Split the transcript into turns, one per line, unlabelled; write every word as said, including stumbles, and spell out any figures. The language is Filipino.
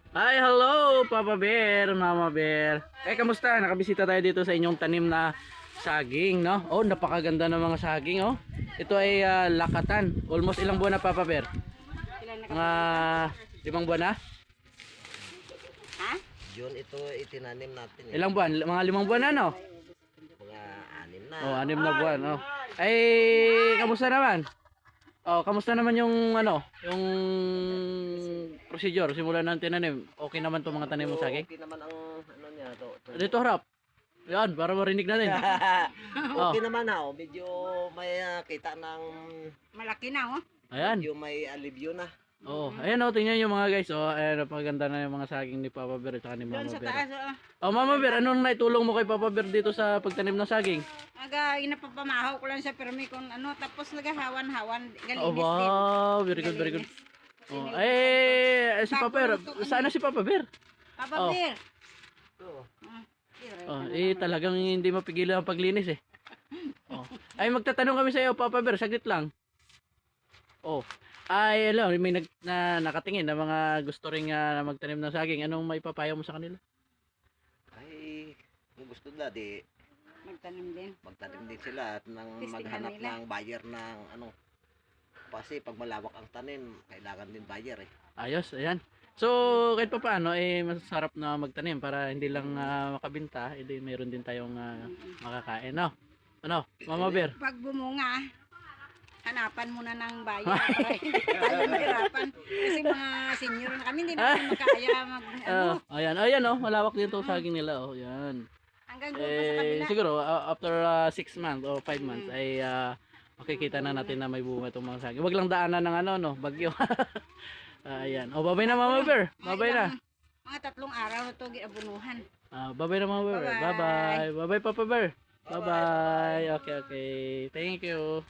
Hi, hello, Papa Bear, Mama Bear. Eh, kamusta? Nakabisita tayo dito sa inyong tanim na saging, no? Oh, napakaganda ng mga saging, oh. Ito ay ah, lakatan. Almost ilang buwan na, Papa Bear? Mga limang buwan na?
Ha?
Yun, ito itinanim natin eh.
Ilang buwan? Mga limang buwan na, no?
Mga anim na.
Oh, anim na buwan, oh. Ay, kamusta naman? Oh, kamusta naman yung ano, yung procedure simula ng tinanim? Okay naman 'tong mga tanim mo saging?
Okay naman ang ano niya to. to.
Dito harap. Yan, para marinig natin. Oh.
Okay naman ha, oh. Medyo may ah, kita ng
Malaki na, oh.
Ayan.
medyo may alivio na.
Oh, ayan oh, tingnan niyo mga guys. Oh, ayan, napaganda na yung mga saging ni Papa Bear at saka ni
Doon
Mama
sa
Bear.
taas, oh.
Oh, Mama Bear, anong naitulong mo kay Papa Bear dito sa pagtanim ng saging?
Aga, inapapamahaw ko lang sa permi kung ano, tapos nagahawan-hawan, galinis
Oh,
din.
wow, very good, very good. Oh, eh, si Papa Bear, saan na si Papa Bear?
Papa
Oh.
Bear.
Oo.
Ah, here,
Oh,
ano
eh
naman.
talagang hindi mapigilan ang paglinis eh. Oh. Ay magtatanong kami sa iyo, Papa Bear, saglit lang. Oh. Ay, hello, may nag, na, nakatingin na mga gusto ring ah, magtanim ng saging. Anong may papayo mo sa kanila?
Ay, kung gusto nila di
Magtanim din.
magtanim din sila at nang
Testingan
maghanap
nila.
ng buyer ng ano. Kasi pag malawak ang tanim, kailangan din buyer eh.
Ayos, ayan. So, kahit pa paano, eh, masarap na magtanim para hindi lang ah, makabinta, hindi mayroon din tayong ah, makakain, no? Ano, Mama Bear?
Pag bumunga, hanapan muna ng bayan para hindi tayo mahirapan. Kasi mga senior na kami, hindi natin makaya mag, ano,
Ah, ayan, ayan, oh, malawak din itong saging nila, oh, yan.
hanggang doon pa sa
Eh,
kabila.
siguro, ah, after six months or five months, ay ah, makikita na natin na may bunga itong mga saging. Wag lang daanan ng ano, no, bagyo. Ah, ayan. Oh, babay na, Mama Bear.
Mga
Babay na.
ilang- Mga tatlong araw na ito, giabunuhan.
Ah, babay na, Mama Bear.
Bye-bye.
Bye-bye. Bye-bye, Papa Bear. Bye-bye. Okay, okay. Thank you.